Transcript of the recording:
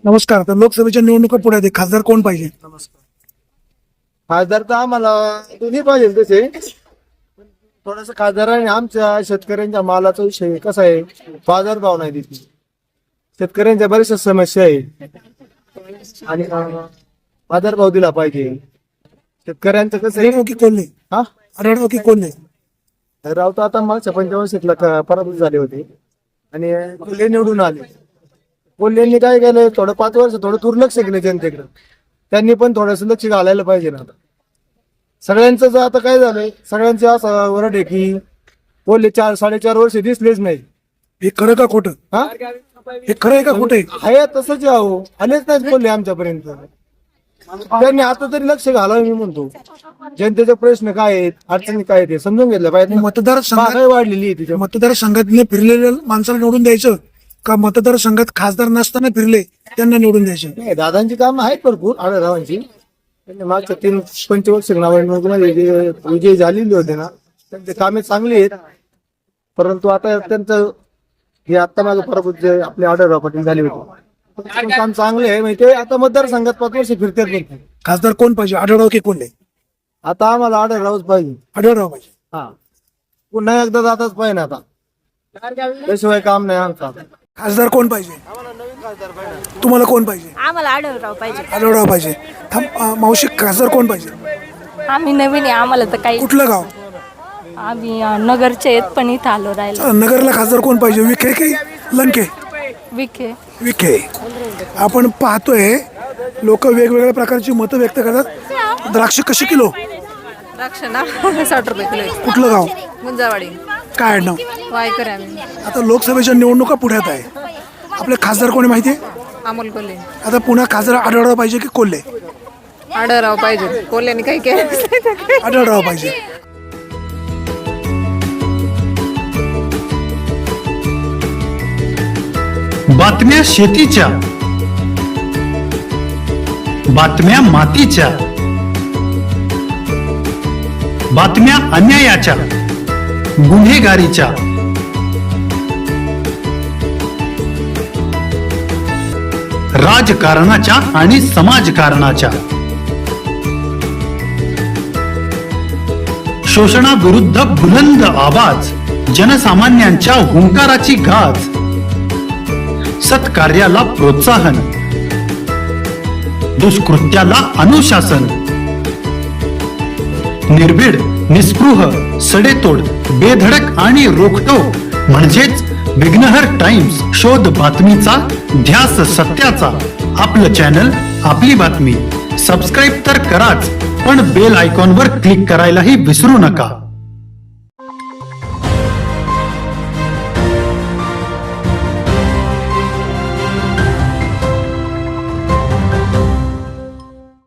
नमस्कार. तर लोकसभेच्या निवडणुका पुढे आहेत. खासदार कोण पाहिजे? नमस्कार. खासदार तर आम्हाला दोन्ही पाहिजे तसे. थोडस खासदाराने आमच्या शेतकऱ्यांच्या मालाचा विषय कसा आहे, बाजार भाव नाही देते. शेतकऱ्यांच्या बऱ्याचशा समस्या आहे आणि बाजार भाव दिला पाहिजे. शेतकऱ्यांचं कसं आहे, आढळराव की कोल्हे? हा आढळराव की कोल्हे? राव तर आता मागच्या 55 पराभूत झाले होते आणि कोल्हे निवडून आले. कोल्हेंनी काय केलं, थोडं 5 वर्ष थोडं दुर्लक्ष केलं जनतेकडे. त्यांनी पण थोडंसं लक्ष घालायला पाहिजे ना. आता सगळ्यांचं जर आता काय झालंय, सगळ्यांचे असं वरड आहे की कोल्हे 4-4.5 वर्ष दिसलेच नाही. हे खरं का खोटं? हा हे खरं आहे का खोटं आहे? आहे तसंच आहे. आलेच नाहीत कोल्हे आमच्यापर्यंत. त्यांनी आता तरी लक्ष घालावं मी म्हणतो. जनतेचे प्रश्न काय आहेत, अडचणी काय आहेत हे समजून घेतलं पाहिजे. मतदारसंघात महागाई वाढलेली आहे तिच्या. मतदारसंघातले फिरलेल्या माणसाला निवडून द्यायचं का मतदारसंघात खासदार नसताना फिरले त्यांना निवडून द्यायचं? नाही, दादांची कामं आहेत भरपूर आढळरावांची. त्यांनी मागच्या 3-25 निवडणुकीमध्ये जे विजय झालेले होते ना, त्यांचे कामे चांगली आहेत. परंतु आता त्यांचं हे आता माझं पराभूत जे आपले आढळराव पाटील झाले होते, त्यांचं काम चांगले आहे. म्हणजे ते आता मतदारसंघात 5 वर्ष फिरतात नाही. खासदार कोण पाहिजे? आढळराव की कोल्हे? आता आम्हाला आढळरावच पाहिजे. आढळराव पाहिजे. हा, पुन्हा एकदा जाताच पाहिजे ना. आता त्याशिवाय काम नाही आमचं. खासदार कोण पाहिजे? आम्हाला नवीन खासदार पाहिजे. तुम्हाला कोण पाहिजे? आम्हाला आढळराव पाहिजे. आढळराव पाहिजे. मावशी, खासदार कोण पाहिजे? आम्ही नवीन आहे, आम्हाला तर काही. कुठलं गाव? आम्ही नगरचे आहेत, पण इथं आलो राहिलो. नगरला खासदार कोण पाहिजे? विखे की लंके? विखे. विखे. आपण पाहतोय लोक वेगवेगळ्या प्रकारची मतं व्यक्त करतात. द्राक्ष कशी किलो? द्राक्ष ना 60 रुपये किलो आहे. कुठलं गाव? गुंजावाडी. काय नाव? वायकर आहे आम्ही. आता लोकसभेच्या निवडणुका पुढ्यात आहे. आपले खासदार कोणी माहिती आहे? अमोल कोल्हे. आता पुन्हा खासदार आढळराव पाहिजे की कोल्हे? आढळराव पाहिजे. कोल्ह्याने काही केलं. आढळराव पाहिजे. बातम्या शेतीच्या, बातम्या मातीच्या, बातम्या अन्यायाच्या, गुन्हेगारीच्या, राजकारणाच्या आणि समाजकारणाच्या, शोषणाविरुद्ध बुलंद आवाज, जनसामान्यांच्या हुंकाराची गाज, सत्कार्याला प्रोत्साहन, दुष्कृत्याला अनुशासन, निर्भीड, निस्पृह, सडेतोड, बेधडक आणि रोखटोक म्हणजेच विघ्नहर टाइम्स. शोध बातमीचा, ध्यास सत्याचा. आपलं चॅनल, आपली बातमी. सबस्क्राईब तर कराच, पण बेल आयकॉनवर क्लिक करायलाही विसरू नका.